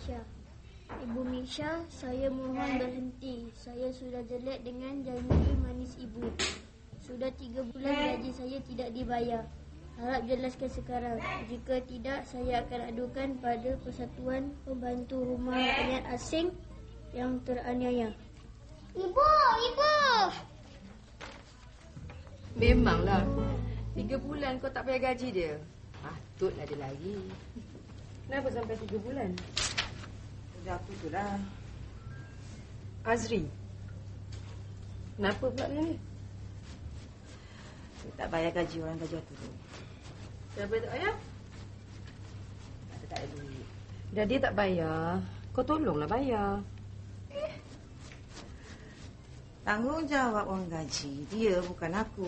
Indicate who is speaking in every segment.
Speaker 1: Misha. Ibu Misha, saya mohon berhenti. Saya sudah jelek dengan janji manis ibu. Sudah 3 bulan gaji saya tidak dibayar. Harap jelaskan sekarang. Jika tidak, saya akan adukan pada Persatuan Pembantu Rumah Rakyat Asing yang teraniaya.
Speaker 2: Ibu!
Speaker 3: Memanglah. 3 bulan kau tak bayar gaji dia. Patutlah dia lari. Kenapa sampai 3 bulan?
Speaker 4: Dah apa tu lah.
Speaker 3: Azri. Kenapa pula dia ni?
Speaker 4: Saya tak bayar gaji orang gaji tu.
Speaker 3: Siapa tak bayar?
Speaker 4: Tak ada duit.
Speaker 3: Dah dia tak bayar, kau tolonglah bayar.
Speaker 4: Tanggungjawab orang gaji. Dia bukan aku.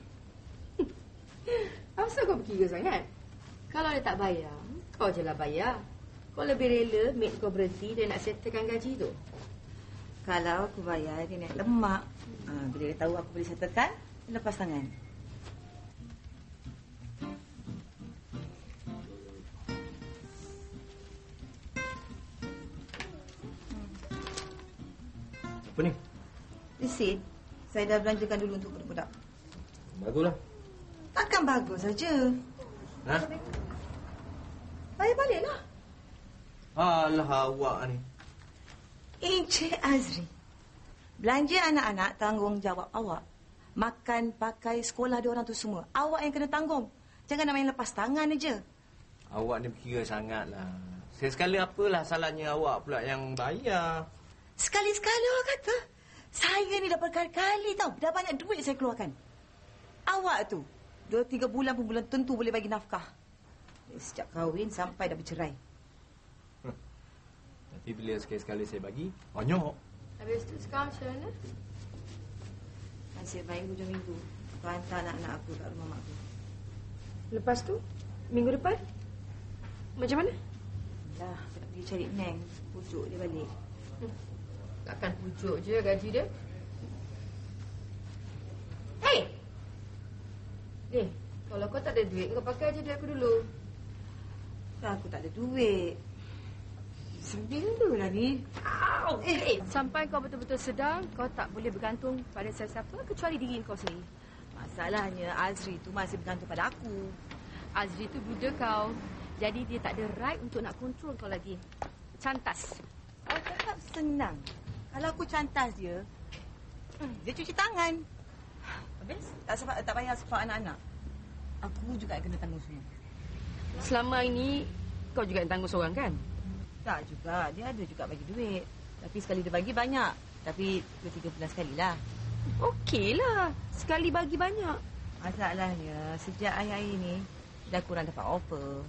Speaker 3: Asal kau berkira sangat? Kalau dia tak bayar, kau je lah bayar. Kau lebih rela maid kau berhenti dan nak settlekan gaji tu.
Speaker 4: Kalau aku bayar, dia naik lemak. Bila dia tahu aku boleh settlekan, dia lepas tangan.
Speaker 5: Apa ni?
Speaker 4: Resit. Saya dah belanjakan dulu untuk budak-budak.
Speaker 5: Baguslah.
Speaker 4: Takkan bagus saja.
Speaker 5: Ha?
Speaker 4: Bayar baliklah.
Speaker 5: Alah awak ni.
Speaker 4: Encik Azri. Belanja anak-anak tanggungjawab awak. Makan, pakai, sekolah diorang tu semua. Awak yang kena tanggung. Jangan nak main lepas tangan aja.
Speaker 5: Awak ni berkira sangatlah. Sekali apalah salahnya awak pula yang bayar.
Speaker 4: Sekali-sekala awak kata. Saya ni dah berkali-kali tau. Dah banyak duit saya keluarkan. Awak tu 2-3 bulan pun belum tentu boleh bagi nafkah. Sejak kahwin sampai dah bercerai.
Speaker 5: Nanti bila sekali-sekali saya bagi, banyak.
Speaker 3: Habis tu sekarang macam mana?
Speaker 4: Nasib baik hujung minggu. Aku hantar anak-anak aku kat rumah mak aku.
Speaker 3: Lepas tu, minggu depan? Macam mana?
Speaker 4: Dah, aku nak pergi cari Neng. Pujuk dia balik.
Speaker 3: Takkan pujuk je gaji dia. Hey! Kalau kau tak ada duit, kau pakai je duit aku dulu.
Speaker 4: Dah, aku tak ada duit. Sembilan lah ni.
Speaker 6: Sampai kau betul-betul sedar, kau tak boleh bergantung pada sesiapa kecuali diri kau sendiri.
Speaker 4: Masalahnya Azri tu masih bergantung pada aku.
Speaker 6: Azri tu budak kau. Jadi dia tak ada right untuk nak kontrol kau lagi. Cantas.
Speaker 4: Awak cakap senang. Kalau aku cantas dia, dia cuci tangan. Habis? Tak payah sepak anak-anak. Aku juga yang kena tanggung semua.
Speaker 6: Selama ini, kau juga yang tanggung seorang kan?
Speaker 4: Tak juga. Dia ada juga bagi duit. Tapi sekali dia bagi banyak. Tapi 2-3 bulan sekali lah.
Speaker 6: Okeylah. Sekali bagi banyak.
Speaker 4: Masalahnya, sejak akhir-akhir ni, dah kurang dapat offer.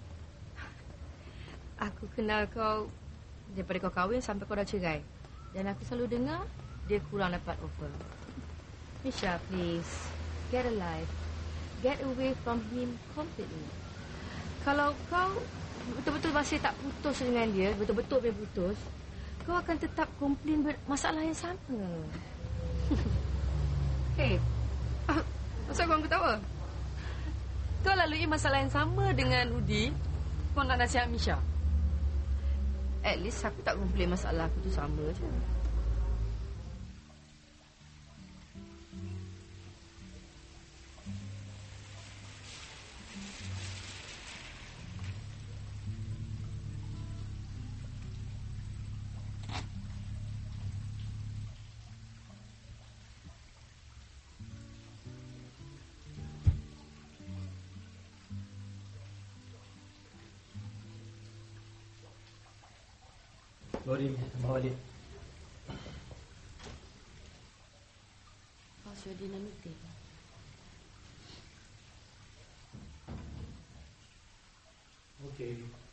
Speaker 6: Aku kenal kau daripada kau kahwin sampai kau dah cerai. Dan aku selalu dengar, dia kurang dapat offer. Misha, please. Get a life. Get away from him completely. Kalau kau betul-betul masih tak putus dengan dia, betul-betul dia putus, kau akan tetap komplain masalah yang sama. Hey, kenapa kau ketawa? Kau lalui masalah yang sama dengan Udi, kau nak nasihat Misha. At least aku tak komplain masalah aku tu sama je.
Speaker 5: Lori, bawa balik.
Speaker 6: Kau sudah dinner meeting.
Speaker 5: Okey.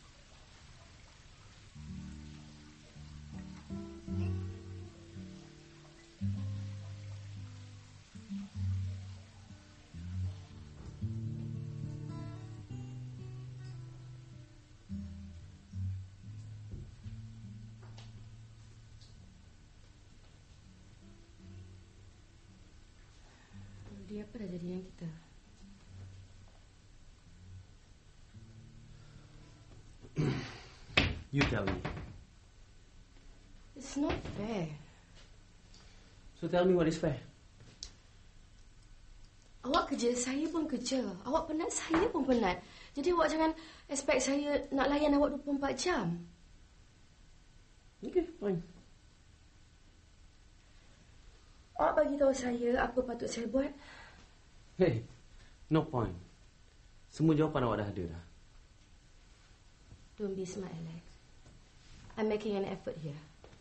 Speaker 6: Dia apa dah jadi dengan kita?
Speaker 5: You tell me.
Speaker 3: It's not fair.
Speaker 2: So tell me what is fair.
Speaker 3: Awak kerja, saya pun kerja. Awak penat, saya pun penat. Jadi awak jangan expect saya nak layan awak 24 jam.
Speaker 2: Okay, fine.
Speaker 3: Awak bagi tahu saya apa patut saya buat.
Speaker 2: Hey, no point. Semua jawapan awak dah ada dah.
Speaker 3: Don't be smart, Alex. I'm making an effort here.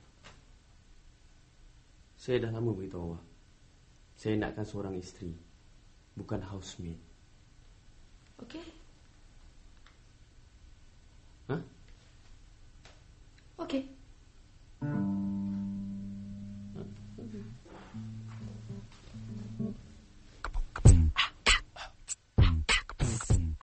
Speaker 2: Saya dah lama beritahu awak. Saya nakkan seorang isteri, bukan housemaid.
Speaker 3: Okay?